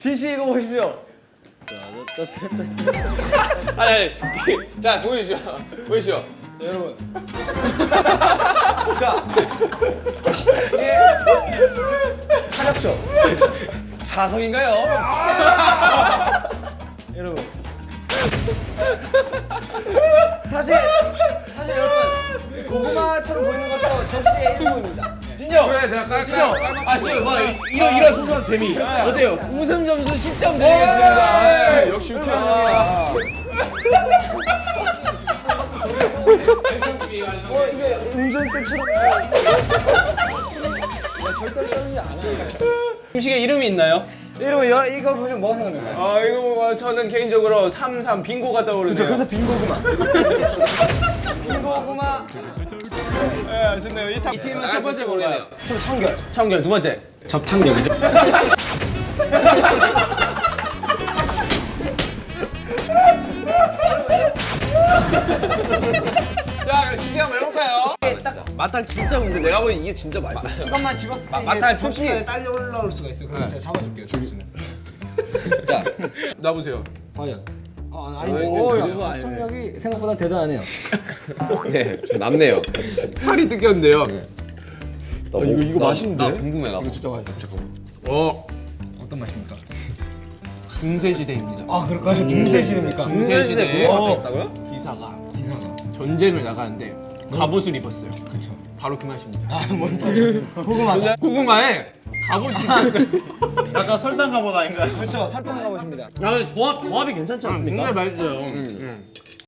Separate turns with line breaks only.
지시 이거 보십시오.
아니 자 보여주시오. 보여주시오.
자, 여러분. 자, 이게 차력쇼. 자석인가요? 여러분. 사실 여러분 고구마처럼 보이는 것도 접시의 일부입니다.
진영.
그래 내가 깔.
아 진영 뭐 이런 소소한 재미 어때요?
웃음 점수 10점 드리겠습니다.
역시 유쾌한
이게 운전대처럼. 절대로 썰리지 않아요.
음식에 이름이 있나요?
여러분 이거 보시면 뭐가 생각나요?
아 이거 뭐 저는 개인적으로 33 빙고가 떠오르네요.
그래서 빙고구마. 빙고구마.
네, 좋네요. 이 팀은 첫 번째 뭐예요?
청결.
청결 두 번째.
접착력이죠.
자 그럼 시작 한번 해볼까요? 마탕 진짜 근데 내가 보기엔 이게 진짜 맛있었어요.
이것만 집었을 때
마탕 특기.
접시에 딸려 올라올 수가 있어요. 그럼 제가 잡아줄게요. 접시는.
자 놔보세요.
과연.
아니,
접착력이 생각보다 대단하네요.
네, 좀 남네요. 살이 뜯겼는데요. 이거 맛있는데? 나 궁금해 나. 이거 진짜 맛있어. 잠깐만.
어떤 맛입니까?
중세시대입니다.
아 그럴까요? 중세시대입니까?
중세시대 그거 있다고요?
기사가 전쟁을 나가는데 갑옷을 입었어요. 그렇죠. 바로 그 맛입니다.
뭔지 고구마.
고구마에 갑옷이 입었어요.
약간 설탕 갑옷 아닌가요?
그렇죠. 설탕 가보십니다.
야 근데 조합이 괜찮지 않습니까?
굉장히 맛있어요.